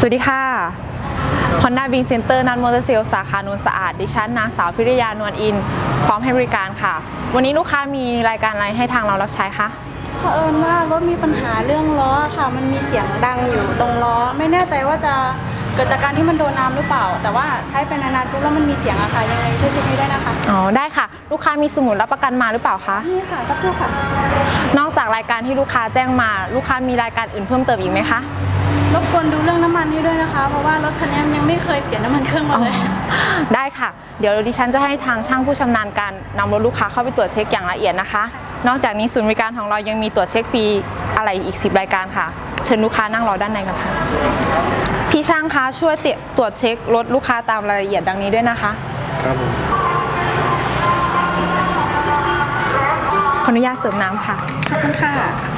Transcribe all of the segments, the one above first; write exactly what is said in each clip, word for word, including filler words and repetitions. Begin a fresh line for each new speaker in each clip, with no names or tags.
สวัสดีค่ะ Honda Wing Center นันมอเตอร์เซลสาขาโนนสะอาดดิฉันนางสาวพิริยานวลอินพร้อมให้บริการค่ะ วันนี้ลูกค้ามีรายการอะไรให้ทางเรารับใช้คะ
เผอิญว่ารถมีปัญหาเรื่องล้อค่ะมันมีเสียงดังอยู่ตรงล้อไม่แน่ใจว่าจะเกิดจากการที่มันโดนน้ำหรือเปล่าแต่ว่าใช้ไปนานๆปุ๊บแล้วมันมีเสียงอะค่ะยังไงช่วยเช็คให้ได้นะคะ
อ๋อได้ค่ะลูกค้ามีสมุดรับประกันมาหรือเปล่าคะ
นี่ค่ะสักครู่ค่ะ
นอกจากรายการที่ลูกค้าแจ้งมาลูกค้ามีรายการอื่นเพิ่มเติมอีกไหมคะ
รบกวนดูเรื่องน้ำมันให้ด้วยนะคะเพราะว่ารถคันนี้ยังไม่เคยเปลี่ยนน้ำมันเครื่องมาเลย
ได้ค่ะเดี๋ยวดิฉันจะให้ทางช่างผู้ชำนาญการนำรถลูกค้าเข้าไปตรวจเช็คอย่างละเอียดนะคะนอกจากนี้ศูนย์บริการของเรายังมีตรวจเช็คฟรีอะไรอีกสิบรายการค่ะเชิญลูกค้านั่งรอด้านในกันค่ะพี่ช่างคะช่วยตรวจเช็ครถลูกค้าตามรายละเอียดดังนี้ด้วยนะคะ
ครับผม
ขออนุญาตเสริมน้ำค่ะ
ขอบคุณค่ะ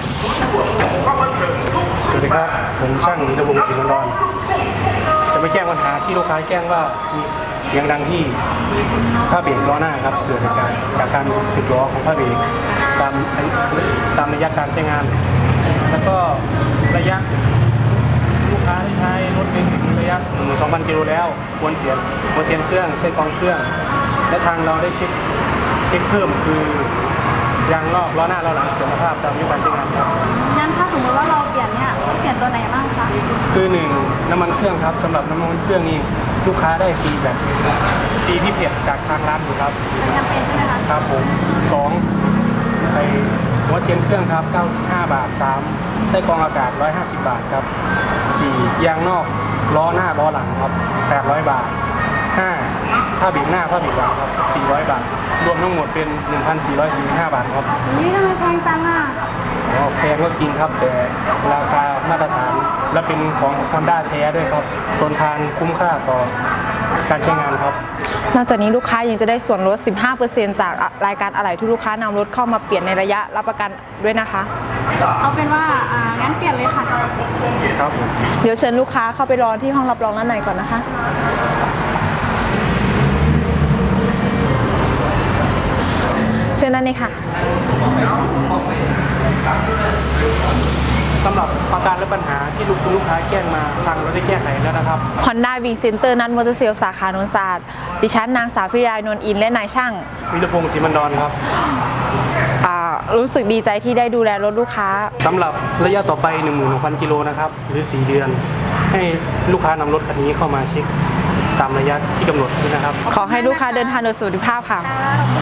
สวัสดีครับผมช่างนิรวงศ์ศรีนนท์จะไม่แจ้งปัญหาที่ลูกค้าแจ้งว่ามีเสียงดังที่ผ้าเบรกล้อหน้าครับเกิดจากการจากการสึกล้อของผ้าเบรกตามตามระยะการใช้งาน แล้วก็ระยะลูกค้าที่ใช้รถเป็นระยะหนึ่งหมื่นสองพันกิโลแล้วควรเปลี่ยนควรเปลี่ยนเครื่องเส้นกองเครื่องและทางเราได้เช็คเช็คเพิ่มคือยางนอกล้อหน้าล้อหลังเสื่อมสภาพตามอายุการใช้งานครับ
งั้นถ้าสมมติว่าเราเปลี่ยนเนี่ยเปลี่ยนตัวไหนบ้างคะ
คือหนึ่งน้ำมันเครื่องครับสำหรับน้ำมันเครื่องนี้ลูกค้าได้ฟรีแบบฟรีพิเศษจากทางร้านอยู่ครับ
เป็นแคมเปญใช่ไหมคะ
ครับผมสองไอหัวเทียนเครื่องครับเก้าสิบห้าบาทสามไส้กรองอากาศหนึ่งร้อยห้าสิบบาทครับสี่ยางนอกล้อหน้าล้อหลังครับแปดร้อยบาทห้าผ้าเบรกหน้าผ้าเบรกหลังครับสี่ร้อยบาทรวมทั้งหมดเป็น หนึ่งพันสี่ร้อยสี่สิบห้า บาทครับ
นี่ทำไมแพงจังอ่ะ
อ๋อแพงก็จริงครับแต่ราคามาตรฐานและเป็นของ Honda แท้ด้วยครับทนทานคุ้มค่าต่อการใช้งานครับ
นอกจากนี้ลูกค้ายังจะได้ส่วนลด สิบห้าเปอร์เซ็นต์ จากรายการอะไหล่ที่ลูกค้านำรถเข้ามาเปลี่ยนในระยะรับประกันด้วยนะคะ
เอาเป็นว่าอ่างั้นเปลี่ยนเลยค่ะ
ครับ
เดี๋ยวเชิญลูกค้าเข้าไปรอที่ห้องรับรองด้านในก่อนนะคะเชิญด้านนี้ค่ะ
สำหรับอาการและปัญหาที่ลูกลูกค้าแจ้งมาทางเราได้แก้ไขแล้วนะครับ
Honda Wing Center นันมอเตอร์เซลสาขาโนนสะอาดดิฉันนางสาวพิริยานวลอินและนายช่าง
วิรพงศ์ศรีมันดอนครับ
รู้สึกดีใจที่ได้ดูแลรถลูกค้า
สำหรับระยะต่อไป หนึ่งหมื่นหกพัน กิโลนะครับหรือสี่เดือนให้ลูกค้านำรถคันนี้เข้ามาเช็คตามระยะที่กำหนดด้วยนะครับ
ขอให้ลูกค้าเดินทางโดยสุขภาพค่ะ